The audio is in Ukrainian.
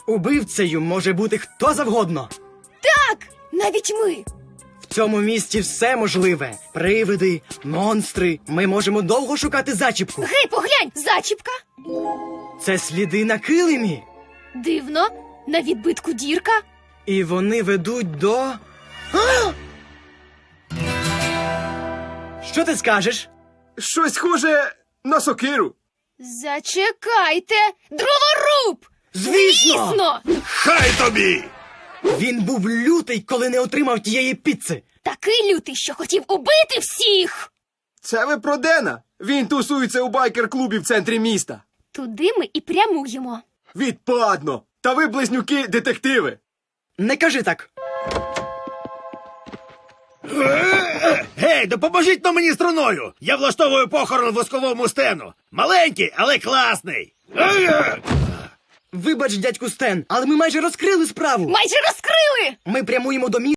Убивцею може бути хто завгодно. Так, навіть ми. В цьому місті все можливе. Привиди, монстри. Ми можемо довго шукати зачіпку. Гей, поглянь, зачіпка. Це сліди на килимі. Дивно, на відбитку дірка. І вони ведуть до... А! Що ти скажеш? Щось схоже на сокиру. Зачекайте. Дроворуб! Звісно! Звісно! Хай тобі! Він був лютий, коли не отримав тієї піци. Такий лютий, що хотів убити всіх. Це ви про Дена? Він тусується у байкер-клубі в центрі міста. Туди ми і прямуємо. Відпадно! Та ви, близнюки, детективи. Не кажи так. Гей, допоможіть но мені струною! Я влаштовую похорон восковому Стену. Маленький, але класний. Вибач, дядьку Стен, але ми майже розкрили справу. Майже розкрили! Ми прямуємо до міста.